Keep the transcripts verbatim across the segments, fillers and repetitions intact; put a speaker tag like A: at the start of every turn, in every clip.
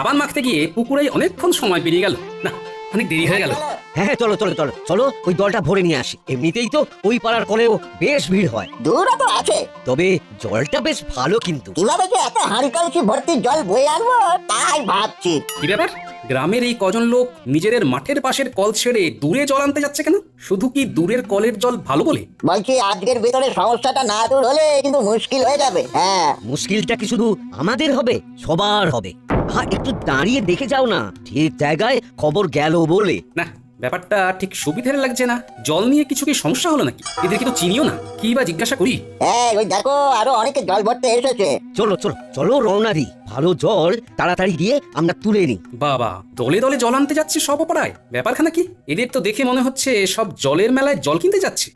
A: সাবান মাখতে গিয়ে পুকুরে অনেকক্ষণ সময় পেরিয়ে গেল। না, অনেক দেরি হয়ে গেল।
B: হ্যাঁ চলো চলো চলো চলো ওই জলটা ভরে নিয়ে আসি। এমনিতেই তো ওই পাড়ার কলেও বেশ ভিড় হয়,
C: দূর তো আছে,
B: তবে জলটা বেশ ভালো কিন্তু।
C: কিভাবে যে এত হাঁড়ি কলসি ভর্তি জল বয়ে আনবো তাই ভাবছি।
A: কি ব্যাপার, গ্রামের এই কজন লোক নিজেদের মাঠের পাশের কল ছেড়ে দূরে জল আনতে যাচ্ছে কেন? শুধু কি দূরের কলের জল ভালো বলে?
C: বলছি আজকের ভেতরে সমস্যাটা না দূর হলে কিন্তু মুশকিল হয়ে যাবে। হ্যাঁ,
B: মুশকিলটা কি শুধু আমাদের হবে? সবার হবে। হ্যাঁ একটু দাঁড়িয়ে দেখে যাও না, ঠিক জায়গায় খবর গেল বলে।
A: না, ব্যাপারটা ঠিক সুবিধার লাগছে না। জল নিয়ে কিছু কি সমস্যা হলো নাকি? এদের কিন্তু চিনিও না, কি বা জিজ্ঞাসা করি।
C: হ্যাঁ ওই দেখো আরো অনেকে জল ভরতে এসেছে।
B: চলো চলো চলো রওনা দিই, ভালো জল তাড়াতাড়ি দিয়ে আমরা তুলে নিই।
A: বাবা, দলে দলে জল আনতে যাচ্ছে সব পাড়ায়, ব্যাপারখানা কি? এদের তো দেখে মনে হচ্ছে সব জলের মেলায় জল কিনতে যাচ্ছে।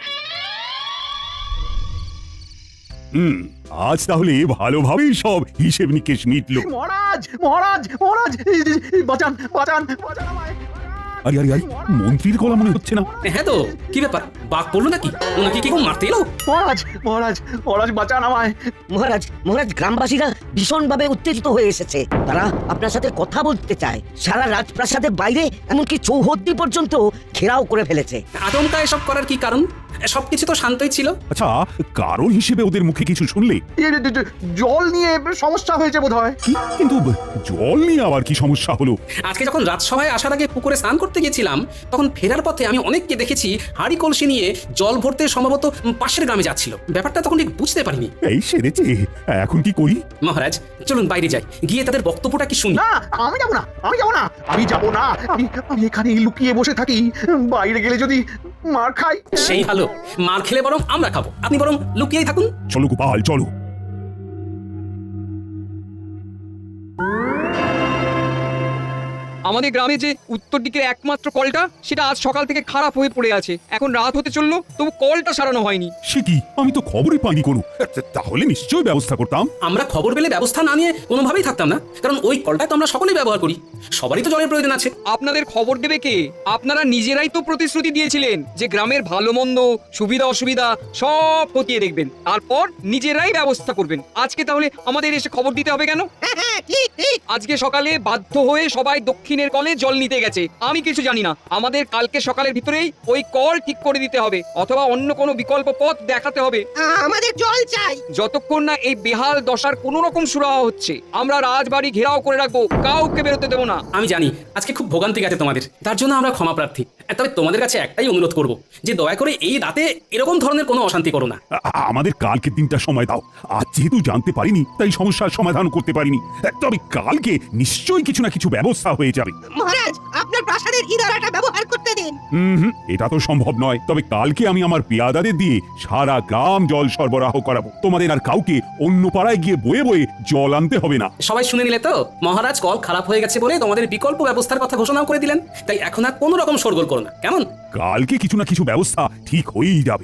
D: হুম, আজ তাহলে ভালোভাবেই সব হিসেব নিকেশ মিটল।
E: মহারাজ মহারাজ মহারাজ এই, এই, এই, বাঁচান বাঁচান বাঁচান আমায়।
D: আরে আরে আরে, মন্ত্রীর গলা মনে হচ্ছে না?
A: হ্যাঁ তো, কি ব্যাপার, বাঘ পড়লো নাকি? ওনাকে কি কেউ মারতে এলো?
E: মহারাজ মহারাজ মহারাজ বাঁচান আমায়।
B: মহারাজ মহারাজ গ্রামবাসীরা ভীষণভাবে উত্তেজিত হয়ে এসেছে। তারা আপনার সাথে কথা বলতে চায়। সারা রাজপ্রাসাদের বাইরে এমনকি চৌহদ্দি পর্যন্ত ঘেরাও করে ফেলেছে।
A: আচমকা এসব করার কি কারণ? সবকিছু তো শান্তই ছিল।
D: আচ্ছা, কারণ হিসেবে ওদের মুখে কিছু শুনলে?
E: এই, এই, এই, জল নিয়ে সমস্যা হয়েছে বোধহয়।
D: কি? কিন্তু জল নিয়ে আবার কি সমস্যা হলো?
A: আজকে যখন রাজসভায় আসার আগে পুকুরে স্নান করতে গেছিলাম, তখন ফেরার পথে আমি অনেককে দেখেছি হাড়ি কলসি নিয়ে জল ভরতে সম্ভবত পাশের গ্রামে যাচ্ছিল। ব্যাপারটা তখন ঠিক বুঝতে পারিনি।
D: এই সেরেছে, এখন কি করি?
A: মহারাজ চলুন বাইরে যাই, গিয়ে তাদের বক্তব্যটা কি শুনি।
E: না আমি যাবো না আমি যাবো না আমি যাবো না আমি আমি এখানে লুকিয়ে বসে থাকি। বাইরে গেলে যদি মার খাই।
A: সেই ভালো, মার খেলে বরং আমরা খাবো, আপনি বরং লুকিয়েই থাকুন।
D: চলো গোপাল চলো।
F: আমাদের গ্রামে যে উত্তর দিকের একমাত্র কলটা, সেটা আজ সকাল থেকে খারাপ হয়ে পড়ে আছে। এখন রাত হতে চললো, তবু কলটা সারানো হয়নি।
D: সে কি, আমি তো খবরই পাইনি কোনো। তাহলে নিশ্চয়ই ব্যবস্থা করতাম।
A: আমরা খবর পেলে ব্যবস্থা না নিয়ে কোনোভাবেই থাকতাম না, কারণ ওই কলটা তো আমরা সকলেই ব্যবহার করি, সবারই তো জলের প্রয়োজন আছে।
F: আপনাদের খবর দেবে কে? আপনারা নিজেরাই তো প্রতিশ্রুতি দিয়েছিলেন যে গ্রামের ভালো মন্দ, সুবিধা অসুবিধা সব খতিয়ে দেখবেন, তারপর নিজেরাই ব্যবস্থা করবেন। আজকে তাহলে আমাদের এসে খবর দিতে হবে কেন? আজকে সকালে বাধ্য হয়ে সবাই দক্ষিণের কলে জল নিতে গেছে, আমি কিছু জানি না। আমাদের কালকে সকালের ভিতরেই ওই কল ঠিক করে দিতে হবে, অথবা অন্য কোনো বিকল্প পথ দেখাতে হবে।
G: আমাদের জল চাই।
F: যতক্ষণ না এই বেহাল দশার কোন রকম সুরাহা হচ্ছে, আমরা রাজবাড়ি ঘেরাও করে রাখবো, কাউকে বেরোতে দেবো না।
A: আমি জানি আজকে খুব ভোগান্তি গেছে তোমাদের, তার জন্য আমরা ক্ষমা প্রার্থী। তবে তোমাদের কাছে একটাই অনুরোধ করব, যে দয়া করে এই রাতে এরকম ধরনের কোনো অশান্তি করো না।
D: আ- আমাদের কালকে দিনটা সময় দাও। আজ যেহেতু জানতে পারিনি, তাই সমস্যার সমাধান করতে পারিনি। তবে কালকে নিশ্চয়ই কিছু না কিছু ব্যবস্থা হয়ে যাবে।
G: মহারাজ আপনার প্রাসাদের ইদারাটা ব্যবহার করতে দিন।
D: হুম হুম, এটা তো সম্ভব নয়। তবে কালকে আমি আমার পেয়াদাদের দিয়ে সারা গ্রাম জল সরবরাহ করাবো। তোমাদের আর কাউকে অন্য পাড়ায় গিয়ে বয়ে বয়ে জল আনতে হবে না।
A: সবাই শুনে নিলে তো? মহারাজ কল খারাপ হয়ে গেছে বলে তোমাদের বিকল্প ব্যবস্থার কথা ঘোষণাও করে দিলেন, তাই এখন আর কোনো রকম শোরগোল করো না, কেমন?
D: কালকে কিছু না কিছু ব্যবস্থা ঠিক হয়েই যাবে।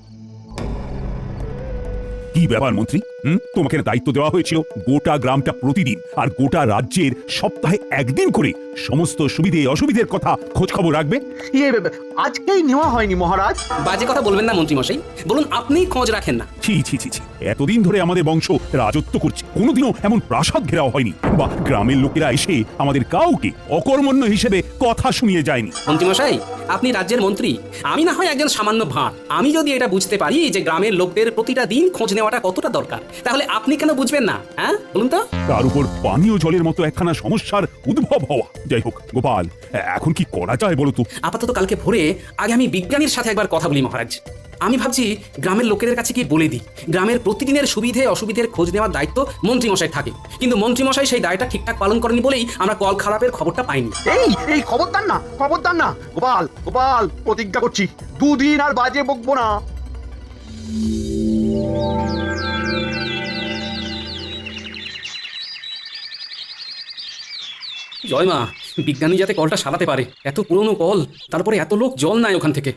D: কি ব্যাপার মন্ত্রী, হুম তোমাকে দায়িত্ব দেওয়া হয়েছিল গোটা গ্রামটা প্রতিদিন আর গোটা রাজ্যের সপ্তাহে একদিন করে সমস্ত সুবিধে অসুবিধের কথা খোঁজ খবর রাখবে।
E: ইয়ে, আজকেই নেওয়া হয়নি মহারাজ।
A: বাজে কথা বলবেন না মন্ত্রী মশাই, বলুন আপনি খোঁজ রাখেন না।
D: ছি ছি ছি ছি, এতদিন ধরে আমাদের বংশ রাজত্ব করছে, কোনোদিনও এমন প্রাসাদ ঘেরাও হয়নি, বা গ্রামের লোকেরা এসে আমাদের কাউকে অকর্মণ্য হিসেবে কথা শুনিয়ে যায়নি।
A: মন্ত্রী মশাই, আপনি রাজ্যের মন্ত্রী, আমি না হয় একজন সামান্য ভাঁড়। আমি যদি এটা বুঝতে পারি যে গ্রামের লোকদের প্রতিটা দিন খোঁজ নেওয়াটা কতটা দরকার, তাহলে আপনি কেন বুঝবেন না? হ্যাঁ বলুন তো।
D: তার উপর পানীয় জলের মতো একখানা সমস্যার উদ্ভব হওয়া। যাই হোক গোপাল, এখন কি করা যায় বলো তো?
A: আপাতত কালকে ভোরে আগে আমি বিজ্ঞানীর সাথে একবার কথা বলি মহারাজ। আমি ভাবছি গ্রামের লোকেদের কাছে কি বলে দিই, গ্রামের প্রতিদিনের সুবিধে অসুবিধের খোঁজ নেওয়ার দায়িত্ব মন্ত্রী মশাই থাকে, কিন্তু মন্ত্রী মশাই সেই দায়টা ঠিকঠাক পালন করেনি বলেই আমরা কল খারাপের খবরটা পাইনি।
E: এই এই খবরদার না খবরদার না গোপাল গোপাল, প্রতিজ্ঞা করছি দুদিন আর বাজে বকবো না।
A: জয় মা, বিজ্ঞানী যাতে কলটা সারাতে পারে। এত পুরনো কল, তারপরে এত লোক জল নাই ওখান থেকে।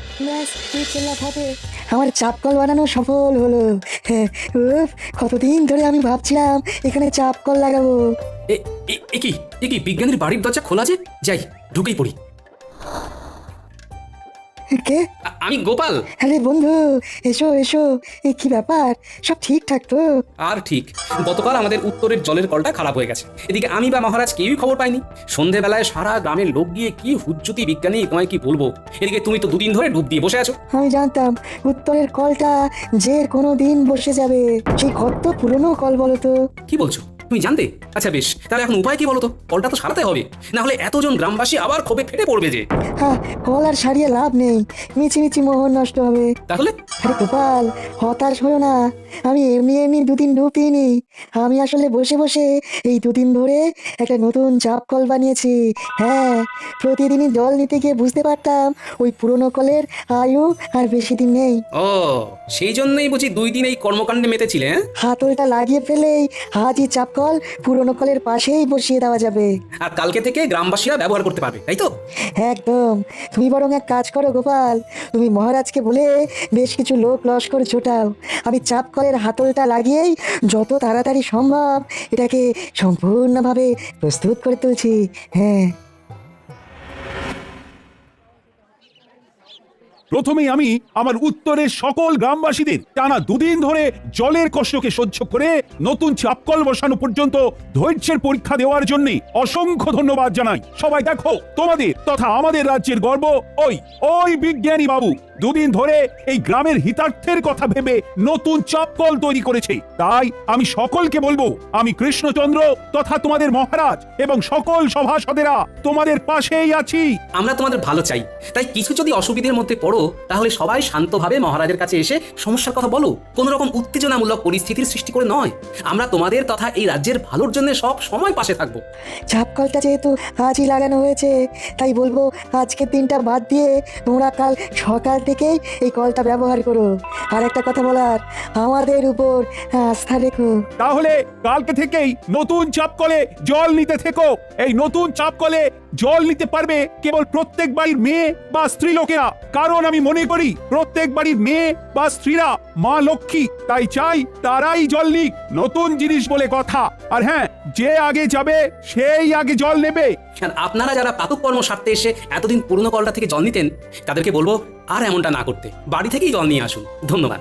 H: আমার চাপ কল বানানো সফল হলো। উফ, কতদিন ধরে আমি ভাবছিলাম এখানে চাপ কল লাগাবো।
A: এ- এ- এ কি এ কি বিজ্ঞানীর বাড়ির দরজা খোলা যে? যাই ঢুকেই পড়ি।
H: কে?
A: আ- আমি গোপাল।
H: আরে বন্ধু, এসো এসো। এ কি ব্যাপার, সব ঠিকঠাক তো?
A: আর ঠিক, গতকাল আমাদের উত্তরের জলের কলটা খারাপ হয়ে গেছে। এদিকে আমি বা মহারাজ কেউই খবর পাইনি। সন্ধেবেলায় সারা গ্রামের লোক গিয়ে কি হুজ্জুতি বিজ্ঞানী, তোমায় কি বলবো। এদিকে তুমি তো দুদিন ধরে ডুব দিয়ে বসে আছো।
H: আমি জানতাম উত্তরের কলটা যে কোনো দিন বসে যাবে। সেই কত পুরনো কল বলো তো?
A: কি বলছো, তুমি জানতে? আচ্ছা বেশ, তাহলে এখন উপায় কি বলো তো? কলটা তো সারাতে হবে, না হলে এতজন গ্রামবাসী আবার ক্ষোভে ফেটে পড়বে যে।
H: হ্যাঁ, কল আর সারিয়ে লাভ নেই, মিছি মিছি মোহন নষ্ট হবে।
A: তাহলে
H: আরে গোপাল, হতাশ হয়েও না। আমি এমনি এমনি দুদিন ডুব দিইনি। আমি আসলে বসে বসে এই দুদিন ধরে একটা নতুন চাপ কল বানিয়েছি। হ্যাঁ, প্রতিদিনই জল নিতে গিয়ে বুঝতে পারতাম ওই পুরনো কলের আয়ু আর বেশি দিন নেই।
A: ও, সেই জন্যই বুঝি দুই দিন এই কর্মকাণ্ডে মেতেছিলে। হ্যাঁ?
H: হাতলটা লাগিয়ে ফেলেই আজই চাপ কল পুরনো কলের পাশেই বসিয়ে দেওয়া যাবে।
A: আর কালকে থেকে গ্রামবাসীরা ব্যবহার করতে পারবে, তাই তো?
H: একদম। তুমি বরং এক কাজ করো গোপাল, তুমি মহারাজকে বলে বেশ কিছু লোক লস্কর জোটাও। আমি চাপ কলের হাতলটা লাগিয়েই যত তাড়াতাড়ি সম্ভব এটাকে সম্পূর্ণভাবে প্রস্তুত করে তুলছি। হ্যাঁ,
D: প্রথমেই আমি আমার উত্তরের সকল গ্রামবাসীদের টানা দুদিন ধরে জলের কষ্টকে সহ্য করে নতুন চাপকল বসানো পর্যন্ত ধৈর্যের পরীক্ষা দেওয়ার জন্য অসংখ্য ধন্যবাদ জানাই। সবাই দেখো, তোমাদের তথা আমাদের রাজ্যের গর্ব ওই ওই বিজ্ঞানী বাবু দুদিন ধরে এই গ্রামের হিতার্থের কথা ভেবে নতুন চাপকল তৈরি করেছে। তাই আমি সকলকে বলবো, আমি কৃষ্ণচন্দ্র তথা তোমাদের মহারাজ এবং সকল সভাসদেরা তোমাদের পাশেই আছি।
A: আমরা তোমাদের ভালো চাই, তাই কিছু যদি অসুবিধার মধ্যে পড়ো তাহলে সবাই শান্তভাবে মহারাজের কাছে এসে সমস্যার কথা বলো। কোনো রকম উত্তেজনামূলক পরিস্থিতির সৃষ্টি করে নয়। আমরা তোমাদের তথা এই রাজ্যের ভালোর জন্য সব সময় পাশে থাকবো।
H: চাপ কলটা যেহেতু আজই লাগানো হয়েছে, তাই বলবো আজকের দিনটা বাদ দিয়ে তোমরা কাল সকাল থেকেই এই কলটা ব্যবহার করো। আর একটা কথা বলার, আমাদের উপর আস্থা রেখো।
D: তাহলে কালকে থেকেই নতুন চাপকলে জল নিতে থেকো। এই নতুন চাপকলে জল নিতে পারবে কেবল প্রত্যেক বাড়ির মেয়ে বা স্ত্রী লোকেরা, কারণ আমি মনে করি প্রত্যেক বাড়ির মেয়ে বা স্ত্রীরা মা লক্ষ্মী। তাই চাই তারাই জল নিক, নতুন জিনিস বলে কথা। আর হ্যাঁ, যে আগে যাবে সেই আগে জল নেবে।
A: আর আপনারা যারা প্রাতঃকর্ম সারতে এসে এতদিন পুরনো কলটা থেকে জল নিতেন, তাদেরকে বলবো আর এমনটা না করতে, বাড়ি থেকেই জল নিয়ে আসুন। ধন্যবাদ।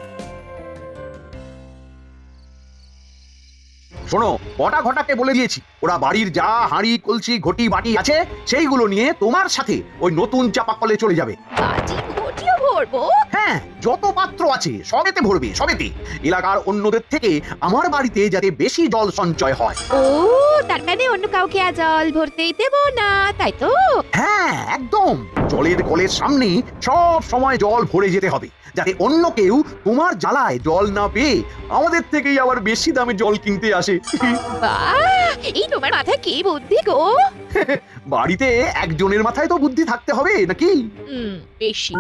E: শোনো, কটা ঘটাকে বলে দিয়েছি ওরা বাড়ির যা হাঁড়ি কলসি ঘটি বাটি আছে সেইগুলো নিয়ে তোমার সাথে ওই নতুন চাপাকলে চলে যাবে।
I: বাটি ঘটিও ভরবো?
E: হ্যাঁ, যত পাত্র আছে সবেতে ভরবে, সবেতে। এলাকার অন্যদের থেকে আমার বাড়িতে যাতে বেশি জল সঞ্চয় হয়।
I: ও, তার মানে অন্য কাউকে আর জল ভরতেই দেবো না, তাই তো?
E: হ্যাঁ, একদম। জলের কলের সামনে সব সময় জল ভরে যেতে হবে, যাতে অন্য কেউ তোমার জ্বালায় জল না পেয়ে আমাদের থেকেই আবার বেশি দামে জল কিনতে আসে।
I: বাহ, এই তোমার মাথায় কি বুদ্ধি গো!
E: বাড়িতে একজনের মাথায় তো বুদ্ধি থাকতে হবে নাকি?
I: হুম, বেশি।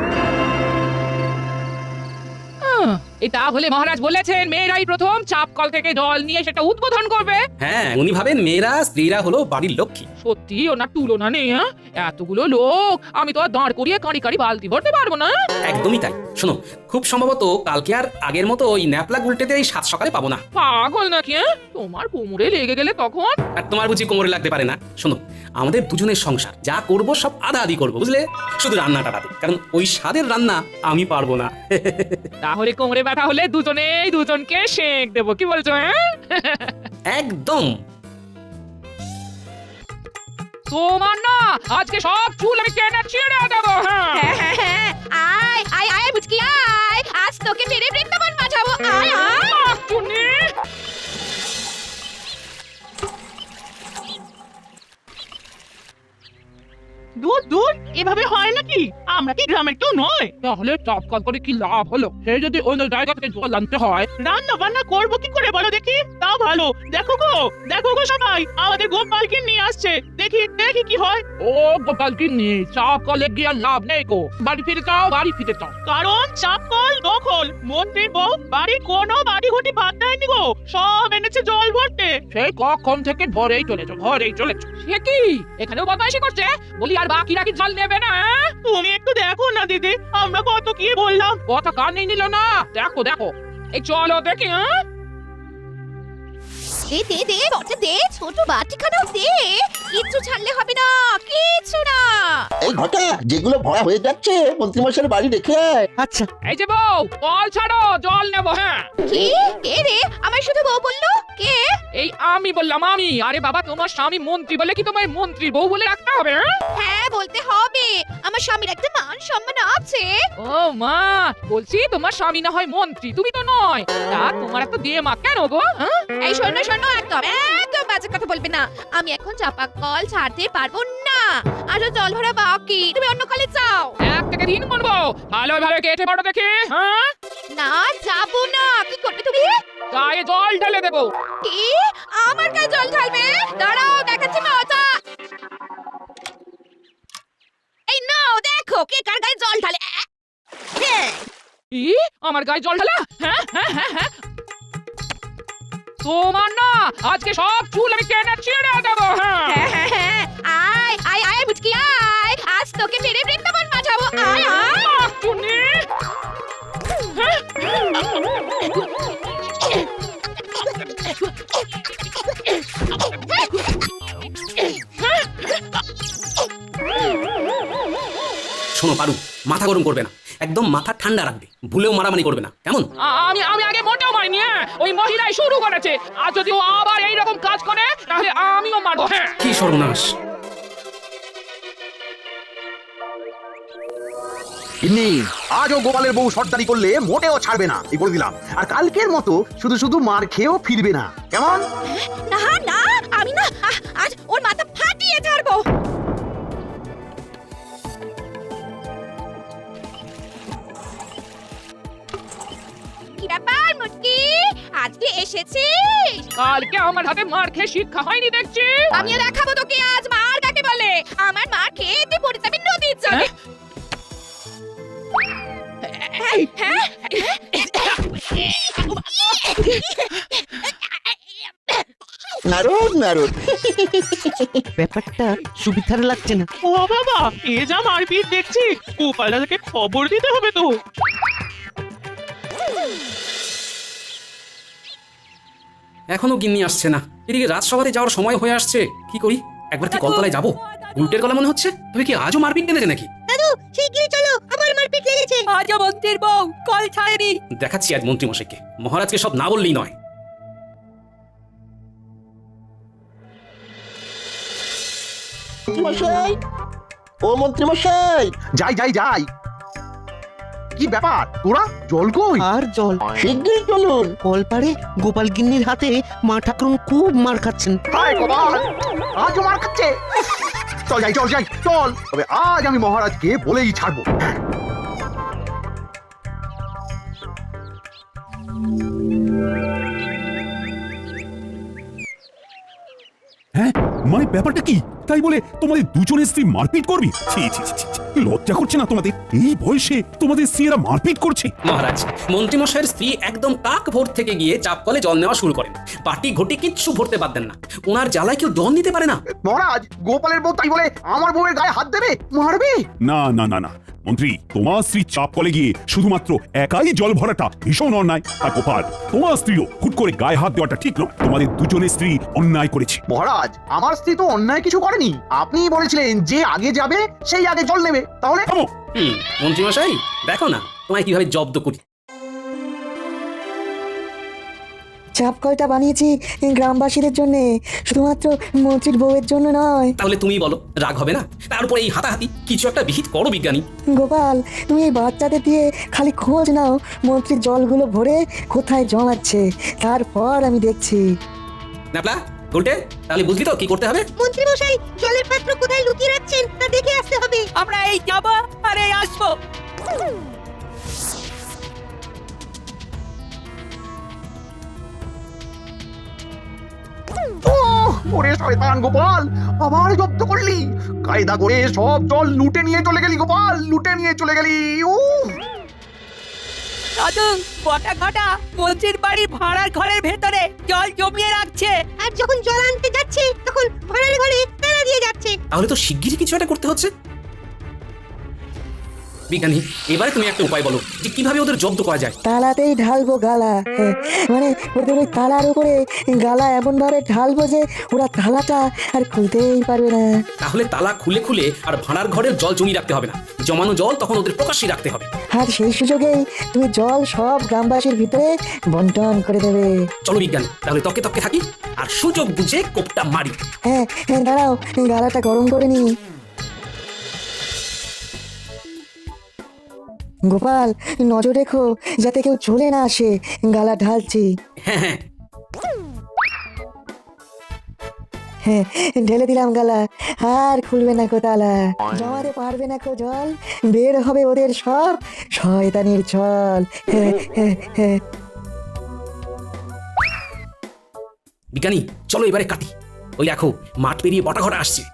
J: এটা হলে মহারাজ বলেছেন মেয়েরাই প্রথম চাপ কল থেকে জল নিয়ে সেটা উদ্বোধন করবে।
A: হ্যাঁ, উনি ভাবেন মেয়েরা স্ত্রীরা হলো বাড়ির লক্ষ্মী।
J: সত্যি ওনার তুলনা নেই। হ্যাঁ, এতগুলো লোক আমি তো আর দাঁড় করিয়ে কাঁড়ি কাঁড়ি বালতি ভরতে পারবো না।
A: একদমই তাই। শোনো, খুব সম্ভবত কালকে আর আগের মতো ওই ন্যাপলা উল্টেতে এই সাত সকালে পাবো না।
J: পাগল নাকি? হ্যাঁ, তোমার কোমরে লেগে গেলে তখন?
A: আর তোমার বুঝি কোমরে লাগতে পারে না? শোনো, আমাদের দুজনের সংসার, যা করব সব আদা আদি করবো, বুঝলে? শুধু রান্নাটা বাদে, কারণ ওই স্বাদের রান্না আমি পারবো না।
J: তাহলে কোমরে ব্যথা হলে দুজনেই দুজনকে শেক দেবো, কি বলছো? হ্যাঁ,
A: একদম।
J: তোমার না আজকে সব চুল আমি টেনে ছিঁড়ে দেবো। হ্যাঁ,
I: হ্যাঁ, হ্যাঁ, হ্যাঁ। আয় আয় আয় বুঝকি আয়, আজ তোকে মেরে বৃন্দাবন বাঁচাবো। আয় আয়।
J: আহ, চুনি।
G: দূর দূর, এভাবে হয় নাকি? আমরা কি গ্রামের কেউ নয়?
J: তাহলে চাপ কল করে কি লাভ হলো? সে যদি অন্য জায়গা থেকে জল আনতে হয়।
G: রান্না বান্না করবো কি করে বলো দেখি? তাও ভালো। দেখো গো, দেখো গো সবাই, আমাদের গোপালকে নিয়ে আসছে। দেখি দেখি কি হয়।
J: ও গোপাল কি নিয়ে চাপ কলে গিয়ে আর লাভ নেই গো। বাড়ি ফিরে যাও, বাড়ি ফিরে যাও।
G: কারণ চাপ কল দখল। মন্ত্রী বউ বাড়ির কোনো বাড়ি ঘটি বাদ দেয়নি গো, সব এনেছে জল ভরতে।
J: সেই কখন থেকে ভরেই চলেছো, ভরেই চলেছো। সে কি এখানেও বদমাইশি করছে? বলি আর বাকিরা কি জল নেবে না?
G: তুমি একটু দেখো না দিদি, আমরা কত কি বললাম।
J: কথা কানে নিল না। দেখো দেখো, এই চলো দেখি। হ্যাঁ,
I: দে দে দে বটে দে, ছোট বাটিখানাও দে। কিচ্ছু ছাড়লে হবে না, কিচ্ছু না।
C: এই ঘটা যেগুলো ভরা হয়ে যাচ্ছে মন্ত্রীমশাইয়ের বাড়ি রেখে আয়।
B: আচ্ছা
J: এই যে বউ কল ছাড়ো জল নেবো হ্যাঁ
I: কি কে রে আমার শুধু বউ বললো কে
J: এই আমি বললাম আমি আরে বাবা তোমার স্বামী মন্ত্রী বলে কি তোমায় মন্ত্রী বউ বলে রাখতে হবে হ্যাঁ?
I: হ্যাঁ বলতে হবে আমার স্বামীর একটা মান সম্মান আছে
J: ও মা বলছি তোমার স্বামী না হয় মন্ত্রী তুমি তো নয় তা তোমার এত দিয়ে মা কেন গো হ্যাঁ?
I: এই শোনো শোনো একদম একদম বাজে কথা বলবে না আমি এখন চাপা কল ছাড়তে পারবো না আরো জল ভরা বাকি তুমি অন্য কলে যাও
J: এক থেকে তিন গুনবো ভালো ভালো কেটে পড়ো দেখি হ্যাঁ
I: না যাবো না কি করবে তুমি
J: গায়ে জল ঢেলে দেবো
I: কি আমার গায়ে জল ঢালবে দাঁড়াও দেখাচ্ছি মজা এই নাও দেখো কে কার গায়ে জল ঢালে আহ! হ্যাঁ
J: কি আমার গায়ে জল ঢালা হ্যাঁ হ্যাঁ হ্যাঁ হ্যাঁ তোমার না আজকে সব চুল আমি টেনে ছিঁড়ে দেবো হ্যাঁ
I: হ্যাঁ, হ্যাঁ, হ্যাঁ। আয় আয় আয় মুচকি আয় আজ তোকে মেরে বৃন্দাবন পাঠাবো আয় আয়
J: আহ, চুনি
A: শোনো পারু, মাথা গরম করবে না, একদম মাথা ঠান্ডা রাখবে, ভুলেও মারামারি করবে না, কেমন?
J: আ- আমি আমি আগে মোটেও মারিনি হ্যাঁ ওই মহিলাই শুরু করেছে আর যদি ও আবার এইরকম কাজ করে তাহলে আমিও মারবো হ্যাঁ
A: কি সর্বনাশ!
E: ইন্নি আজও গোপালের বউ সর্দারি করলে মোটেও ছাড়বে না এই বলে দিলাম। আর কালকের মতো শুধু শুধু মার খেয়েও ফিরবে না, কেমন?
I: না না আমি না আহ, আজ ওর মাথা ফাটিয়ে ছাড়বো কি ব্যাপার মুটকি আজকে এসেছিস
J: কালকে আমার হাতে মার খেয়ে শিক্ষা হয়নি দেখছি
I: আমি দেখাবো তোকে আজ মার কাকে বলে আমার মার খেয়ে তুই পড়ে যাবি নদীর জলে হ্যাঁ? হ্যাঁ?
C: নারদ নারদ
B: ব্যাপারটা সুবিধার লাগছে না।
G: ও বাবা এ যা মারপিট দেখছি গোপাল দাদাকে খবর দিতে হবে তো
A: এখনো গিন্নি আসছে না, এদিকে রাজসভাতে যাওয়ার সময় হয়ে আসছে, কি করি? একবার কি কলতলায় যাবো? উল্টের গলা মনে হচ্ছে, তবে কি আজও মারপিট টেনেছে নাকি?
I: শিগগিরই চলো আমার মারপিট লেগেছে
J: আজও মন্ত্রীর বউ কল ছাড়েনি
A: দেখাচ্ছি আজ মন্ত্রী মশাইকে, মহারাজকে সব না বললেই নয়।
C: মন্ত্রীমশাই, ও মন্ত্রীমশাই,
E: যাই যাই যাই। কি ব্যাপার তোরা জল কই?
B: আর জল
C: শিগগিরই চলুন।
B: কলপারে গোপাল গিন্নির হাতে মা ঠাকুরুন খুব মার খাচ্ছেন।
E: হায় গোপাল, আজও মার খাচ্ছে। চল যাই চল যাই চল, তবে আজ আমি মহারাজকে বলেই ছাড়বো।
D: হ্যাঁ মানে ব্যাপারটা কি? তাই বলে তোমাদের দুজনের স্ত্রী মারপিট করবি? ছি ছি ছি ছি, ছি। লজ্জা করছে না তোমাদের? এই বয়সে তোমাদের স্ত্রীরা মারপিট করছে?
A: মহারাজ, মন্ত্রী মশাইয়ের স্ত্রী একদম টাক ভোর থেকে গিয়ে চাপ কলে জল নেওয়া শুরু করেন, বাটি ঘটি কিচ্ছু ভরতে পারতেন না। ওনার জ্বালায় কেউ জল নিতে পারে না।
E: মহারাজ, গোপালের বউ তাই বলে আমার বউয়ের গায়ে হাত দেবে, মারবে?
D: না না না না মন্ত্রী, তোমার স্ত্রী চাপ কলে গিয়ে শুধুমাত্র একাই জল ভরাটা ভীষণ অন্যায়। আর গোপাল, তোমার স্ত্রীও হুট করে গায়ে হাত দেওয়াটা ঠিক নয়। তোমাদের দুজনের স্ত্রী অন্যায় করেছে।
E: মহারাজ, আমার স্ত্রী তো অন্যায় কিছু করেনি। আপনিই বলেছিলেন যে আগে যাবে সেই আগে জল নেবে, তাহলে
D: থামো।
A: হুম মন্ত্রী মশাই, দেখো না তোমায় কিভাবে জব্দ করি।
H: চাপ কলটা বানিয়েছি গ্রামবাসীদের জন্য, শুধুমাত্র মন্ত্রীর বউয়ের জন্য নয়।
A: তাহলে তুমি বলো, রাগ হবে না? তারপরে এই হাতাহাতি, কিছু একটা বিহিত করো বিজ্ঞানী।
H: গোপাল, তুমি এই বাচ্চাদের দিয়ে খালি খোঁজ নাও মন্ত্রীর জলগুলো ভরে কোথায় জমাচ্ছে, তারপর আমি দেখছি।
A: ন্যাপলা, উল্টে, তাহলে বুঝলি তো কি করতে হবে?
I: মন্ত্রী মশাই জলের পাত্র কোথায় লুকিয়ে রাখছেন তা দেখে আসতে হবে
J: আমরা এই যাবো আর এই আসবো
E: ওহ, ওরে শয়তান গোপাল, আবার জব্দ করলি। কায়দা করে সব জল লুটে নিয়ে চলে গেলি গোপাল, লুটে নিয়ে চলে গেলি। উহ,
J: দাদু বটা ঘটা মন্ত্রীর বাড়ির ভাড়ার ঘরের ভেতরে জল জমিয়ে রাখছে
I: আর যখন জল আনতে যাচ্ছে তখন ভাড়ার ঘরে তালা দিয়ে যাচ্ছে
A: তাহলে তো শিগগিরই কিছু একটা করতে হচ্ছে। বিজ্ঞানী, এবারে তুমি একটা উপায় বলো যে কিভাবে ওদের জব্দ করা যায়।
H: তালাতেই ঢালবো গালা, হ্যাঁ, মানে ওদের ওই তালার উপরে গালা এমন ভাবে ঢালবো যে ওরা তালাটা আর খুলতেই পারবে না।
A: তাহলে তালা খুলে খুলে আর ভাড়ার ঘরের জল জমিয়ে রাখতে হবে না, জমানো জল তখন ওদের প্রকাশ্যে রাখতে হবে।
H: আর সেই সুযোগেই তুমি জল সব গ্রামবাসীর ভিতরে বন্টন করে দেবে।
A: চলো বিজ্ঞানী, তাহলে তকে তকে থাকি আর সুযোগ বুঝে কোপটা মারি।
H: হ্যাঁ হ্যাঁ, দাঁড়াও, গালাটা গরম করে নি। গোপাল, নজর রেখো যাতে কেউ চলে না আসে, গালা ঢালছি।
A: হ্যাঁ হ্যাঁ,
H: হ্যাঁ, ঢেলে দিলাম গালা, আর খুলবে না কো তালা, জমাতে পারবে না কো জল, বের হবে ওদের সব শয়তানির ছল। হ্যাঁ হ্যাঁ হ্যাঁ।
A: বিজ্ঞানী চলো এবারে কাটি। ওই দেখো মাঠ পেরিয়ে বটা ঘটা আসছে।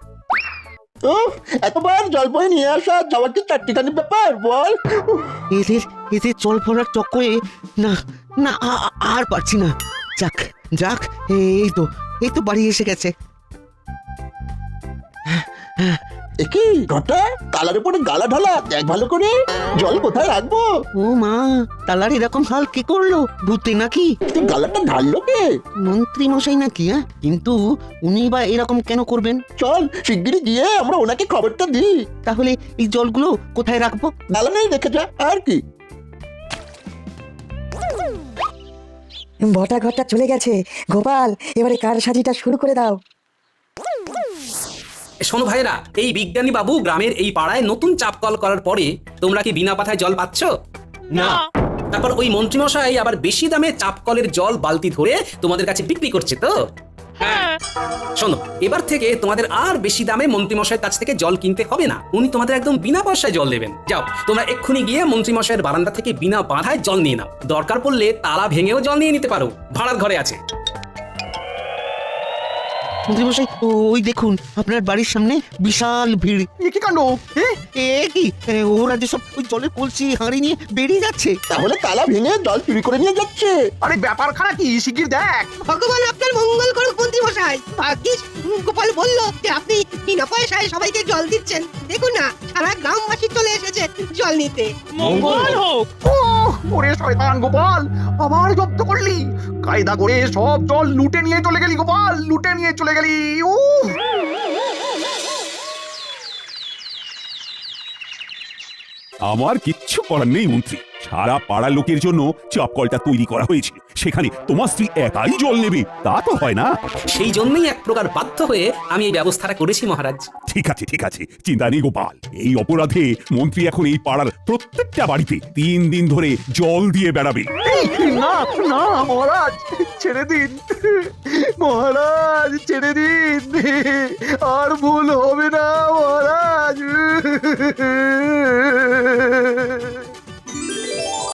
C: এতবার জল বয়ে নিয়ে আসা যাওয়ার কি চারটিখানি ব্যাপার বল।
B: এদের এদের জল ভরার চক্করে না না আ- আ- আর পারছি না। যাক যাক, এই তো এই তো বাড়ি এসে গেছে।
C: একই ঘটা, তালার উপরে গালা ঢালা, দেখ ভালো করে জল কোথায় রাখবো।
B: ও মা, তালার এরকম হাল কি করলো? ভূতে নাকি?
C: তুই গালাটা ঢাললো কে?
B: মন্ত্রী মশাই নাকি? হ্যাঁ, কিন্তু উনি বা এরকম কেন করবেন?
C: চল শিগগিরই গিয়ে আমরা ওনাকে খবরটা দিই।
B: তাহলে এই জলগুলো কোথায় রাখবো?
C: গালা নেই রেখে যা, আর কি।
H: বটা ঘরটা চলে গেছে। গোপাল, এবারে কার সাজিটা শুরু করে দাও।
A: শোনো ভাইরা, এই বিজ্ঞানী বাবু গ্রামের এই পাড়ায় নতুন চাপ কল করার পরে তোমরা কি বিনা পাথায় জল পাচ্ছ?
G: না।
A: তারপর ওই মন্ত্রীমশাই আবার বেশি দামে চাপ কলের জল বালতি ধরে তোমাদের কাছে বিক্রি করছে তো।
G: হ্যাঁ।
A: শোনো, এবার থেকে তোমাদের আর বেশি দামে মন্ত্রীমশাইয়ের কাছ থেকে জল কিনতে হবে না, উনি তোমাদের একদম বিনা পয়সায় জল দেবেন। যাও তোমরা এক্ষুনি গিয়ে মন্ত্রীমশাইয়ের বারান্দা থেকে বিনা বাধায় জল নিয়ে নাও, দরকার পড়লে তালা ভেঙেও জল নিয়ে নিতে পারো, ভাড়ার ঘরে আছে।
B: মন্ত্রী মশাই, ওই দেখুন আপনার বাড়ির সামনে বিশাল ভিড়।
E: এ কি কাণ্ড? এ,
B: এ কি, এ, ওরা যে সব ওই জলের কলসি হাঁড়ি নিয়ে বেরিয়ে যাচ্ছে।
C: তাহলে তালা ভেঙে জল চুরি করে নিয়ে যাচ্ছে।
E: আরে ব্যাপারখানা কি শিগগির দেখ।
K: ভগবান আপনার মঙ্গল করুক মন্ত্রী মশাই। ভাগ্যিস গোপাল বলল যে আপনি বিনা পয়সায় সবাইকে জল দিচ্ছেন। দেখুন না, সারা গ্রামবাসী চলে এসেছে জল নিতে।
G: মঙ্গল হোক।
E: ওহ, ওরে শয়তান গোপাল, আবার জব্দ করলি। কায়দা করে সব জল লুটে নিয়ে চলে গেলি গোপাল, লুটে নিয়ে চলে গেলি। উহ।
D: আমার কিচ্ছু করার নেই মন্ত্রী, সারা পাড়ার লোকের জন্য চাপ কলটা তৈরি করা হয়েছে, সেখানে তোমার স্ত্রী একাই জল নেবে তা তো হয় না।
A: সেই জন্যই এক প্রকার বাধ্য হয়ে আমি এই ব্যবস্থাটা করেছি মহারাজ।
D: ঠিক আছে ঠিক আছে, চিন্তা নেই গোপাল। এই অপরাধে মন্ত্রী এখন এই পাড়ার প্রত্যেকটা বাড়িতে তিন দিন ধরে জল দিয়ে বেড়াবে।
E: এই, না না মহারাজ, ছেড়ে দিন মহারাজ, ছেড়ে দিন, আর ভুল হবে না মহারাজ।